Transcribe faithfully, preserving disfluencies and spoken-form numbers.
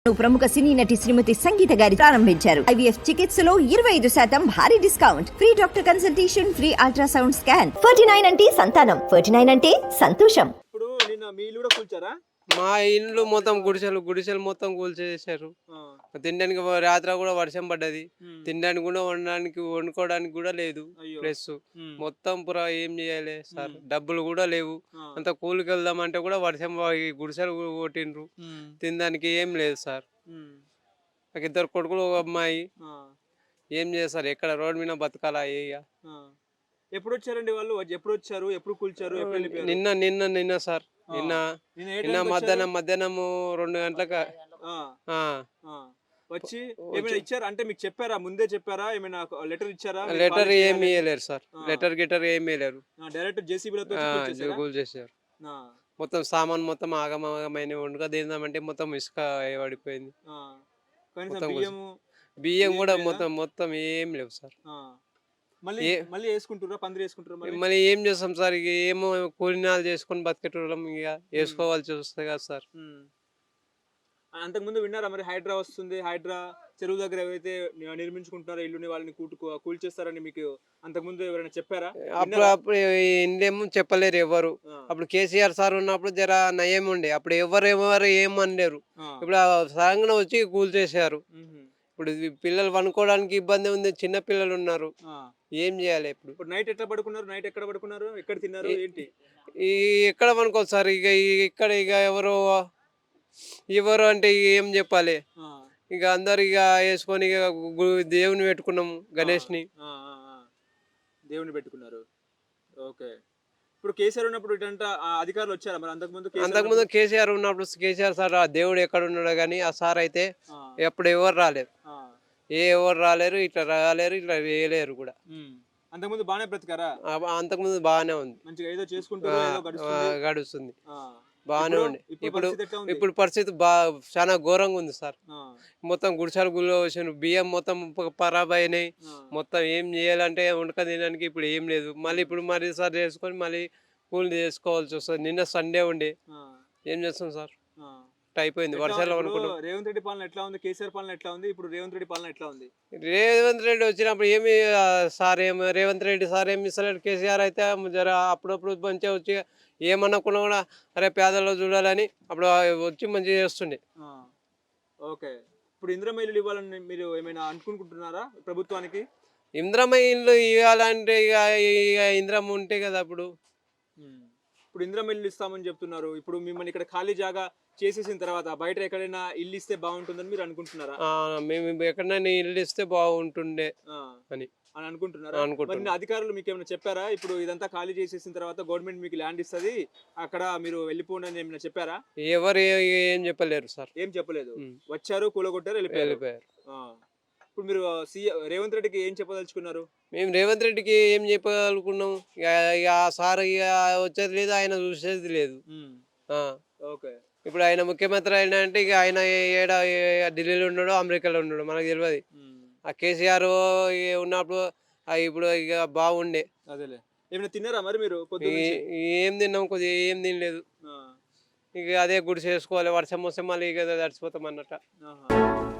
ప్రముఖ సినీ నటి శ్రీమతి సంగీత గారి ప్రారంభించారు. ఐవీఎఫ్ చికిత్సలో ఇరవై ఐదు శాతం భారీ discount, free doctor consultation, free ultrasound scan. Forty nine అంటే సంతానం, ఫార్టీ నైన్ అంటే సంతోషం. ఇప్పుడు నిన్న మీ ఇల్లు కూడా కూల్చారా? మా ఇల్లు మొత్తం గుడిసెలు గుడిసెలు మొత్తం కూల్చేసారు. తినడానికి రాత్రి కూడా వర్షం పడ్డది. తినడానికి కూడా వండడానికి వండుకోవడానికి కూడా లేదు ప్లస్. మొత్తం పురా ఏం చేయాలి సార్, డబ్బులు కూడా లేవు. అంత కూలికి వెళ్దామంటే కూడా వర్షం గుడిసెలు కొట్టిండ్రు. తినడానికి ఏం లేదు సార్. నాకు ఇద్దరు కొడుకులు ఒక అమ్మాయి. ఏం చేస్తారు, ఎక్కడ రోడ్డు మీద బతకాలా? ఎప్పుడు వచ్చారండి వాళ్ళు? ఎప్పుడు వచ్చారు? ఎప్పుడు కూల్చారు? నిన్న నిన్న నిన్న సార్ నిన్న నిన్న మధ్యాహ్నం మధ్యాహ్నం రెండు గంటలకు వచ్చి ఏమైనా ఇచ్చారా? అంటే మీకు చెప్పారా? ముందే చెప్పారా? ఏమైనా లెటర్ ఇచ్చారా? లెటర్ ఏమి ఇవ్వలేరు సార్. లెటర్ గిటర్ ఏమి ఇవ్వలేరు. డైరెక్ట్ జేసీబీలతో కూల్చేసారు. మొత్తం సామాన్ మొత్తం ఆగమాగమైన వండుక తిందామంటే మొత్తం ఇసుక పడిపోయింది. బియ్యం కూడా మొత్తం మొత్తం ఏం లేవు సార్. మళ్ళీ మళ్ళీ వేసుకుంటారా? పందిరి వేసుకుంటారా? మళ్ళీ ఏం చేస్తాం సార్? ఇక ఏమో కూలినాలు చేసుకొని బతికేటోళ్ళం, ఇక వేసుకోవాల్సి వస్తుంది కదా సార్. అంతకుముందు విన్నారా మరి హైడ్రా వస్తుంది, హైడ్రా చెరువు దగ్గర ఏవైతే నిర్మించుకుంటున్నారో ఇల్లుని వాళ్ళని కూటు కూల్చేస్తారని మీకు అంతకుముందు ఎవరైనా చెప్పారా? అప్పుడు అప్పుడు ఇందేమో చెప్పలేరు ఎవరు. అప్పుడు కేసీఆర్ సార్ ఉన్నప్పుడు జర నయం ఉండే, అప్పుడు ఎవరు ఎవరు ఏమనలేరు. ఇప్పుడు సడన్గా వచ్చి కూల్చేసారు. ఇప్పుడు పిల్లలు పనుకోవడానికి ఇబ్బంది ఉంది, చిన్న పిల్లలు ఉన్నారు, ఏం చేయాలి? ఇప్పుడు ఇప్పుడు నైట్ ఎట్లా పడుకున్నారు? నైట్ ఎక్కడ పడుకున్నారు? ఎక్కడ తిన్నారు? ఏంటి ఈ ఎక్కడ పనుకోవచ్చు సార్? ఇక ఇక్కడ ఇక ఎవరు ఎవరు అంటే ఏం చెప్పాలి? ఇక అందరు ఇక వేసుకొని ఇక దేవుని పెట్టుకున్నాము, గణేష్ని దేవుని పెట్టుకున్నారు. ఓకే. ఇప్పుడు కేసీఆర్ ఉన్నప్పుడు ఇటంతా అధికారులు వచ్చారా మరి? అంతకుముందు అంతకుముందు కేసీఆర్ ఉన్నప్పుడు కేసీఆర్ సార్ ఆ దేవుడు ఎక్కడ ఉన్నాడు కానీ ఆ సార్ అయితే ఎప్పుడు ఎవరు రాలేరు. ఏ ఎవరు రాలేరు, ఇట్లా రాలేరు, ఇట్లా వేయలేరు కూడా. అంతకుముందు బాగానే బ్రతికారా? అంతకుముందు బాగానే ఉంది, మంచిగా ఏదో చేసుకుంటూ గడుస్తుంది, బాగానే ఉంది. ఇప్పుడు ఇప్పుడు పరిస్థితి బా చాలా ఘోరంగా ఉంది సార్. మొత్తం గుడిసెలు గుళ్ళు వచ్చిన బియ్యం మొత్తం ఖరాబ్ అయినాయి. మొత్తం ఏం చేయాలంటే వండుక తినడానికి ఇప్పుడు ఏం లేదు. మళ్ళీ ఇప్పుడు మరీ సార్ చేసుకొని మళ్ళీ కూలి చేసుకోవాల్సి వస్తుంది. నిన్న సండే ఉండే, ఏం చేస్తాం సార్? అయిపోయింది వర్షాలు అనుకుంటాం. రేవంత్ రెడ్డి పాలన ఎట్లా ఉంది? కేసీఆర్ పాలన ఎట్లా ఉంది? ఇప్పుడు రేవంత్ రెడ్డి పాలన ఎట్లా ఉంది? రేవంత్ రెడ్డి వచ్చినప్పుడు ఏమి సార్ ఏమి రేవంత్ రెడ్డి సార్ ఏమి ఇస్తలేడు. కేసీఆర్ అయితే జర అప్పుడప్పుడు మంచిగా వచ్చి ఏమనుకున్నా కూడా అరే పేదల్లో చూడాలని అప్పుడు వచ్చి మంచిగా చేస్తుండే. ఓకే. ఇప్పుడు ఇందిరమ్మ ఇల్లు ఇవ్వాలని మీరు ఏమైనా అనుకుంటున్నారా ప్రభుత్వానికి? ఇందిరమ్మ ఇల్లు ఇవ్వాలంటే ఇక ఇక ఇందిరమ్మ ఉంటే కదా అప్పుడు. ఇప్పుడు ఇందిరమ్మ ఇల్లు ఇస్తామని చెప్తున్నారు. ఇప్పుడు మిమ్మల్ని ఇక్కడ ఖాళీ జాగా చేసేసిన తర్వాత బయట ఎక్కడైనా ఇల్లు ఇస్తే బాగుంటుందని మీరు అనుకుంటున్నారా? మేము ఎక్కడైనా ఇల్లు ఇస్తే బాగుంటుండే అని అని అనుకుంటున్నారా? మరి అధికారులు మీకు ఏమైనా చెప్పారా? ఇప్పుడు ఇదంతా ఖాళీ చేసేసిన తర్వాత గవర్నమెంట్ మీకు ల్యాండ్ ఇస్తుంది, అక్కడ మీరు వెళ్ళిపోండి అని ఏమైనా చెప్పారా? ఎవరు ఏం చెప్పలేరు సార్. ఏం చెప్పలేదు. వచ్చారు, కూలగొట్టారు, వెళ్ళిపోయారు. ఇప్పుడు మీరు సీఎం రేవంత్ రెడ్డికి ఏం చెప్పదలుచుకున్నారు? మేము రేవంత్ రెడ్డికి ఏం చెప్పగలుగుకున్నాం? ఇక సార్ ఇక వచ్చేది లేదు, ఆయన చూసేది లేదు. ఓకే. ఇప్పుడు ఆయన ముఖ్యమంత్రి అయినా అంటే ఇక ఆయన ఏడ ఢిల్లీలో ఉన్నాడు, అమెరికాలో ఉన్నాడు, మనకు తెలియదు. ఆ కేసీఆర్ ఉన్నప్పుడు ఇప్పుడు ఇక బాగుండే. అదేలే. ఏమైనా తిన్నారా మరి మీరు? ఏం తిన్నాం, కొద్దిగా ఏం తినలేదు. ఇక అదే గుడి చేసుకోవాలి, వర్షం వస్తే మళ్ళీ ఇక తడిచిపోతాం అన్నట్టు.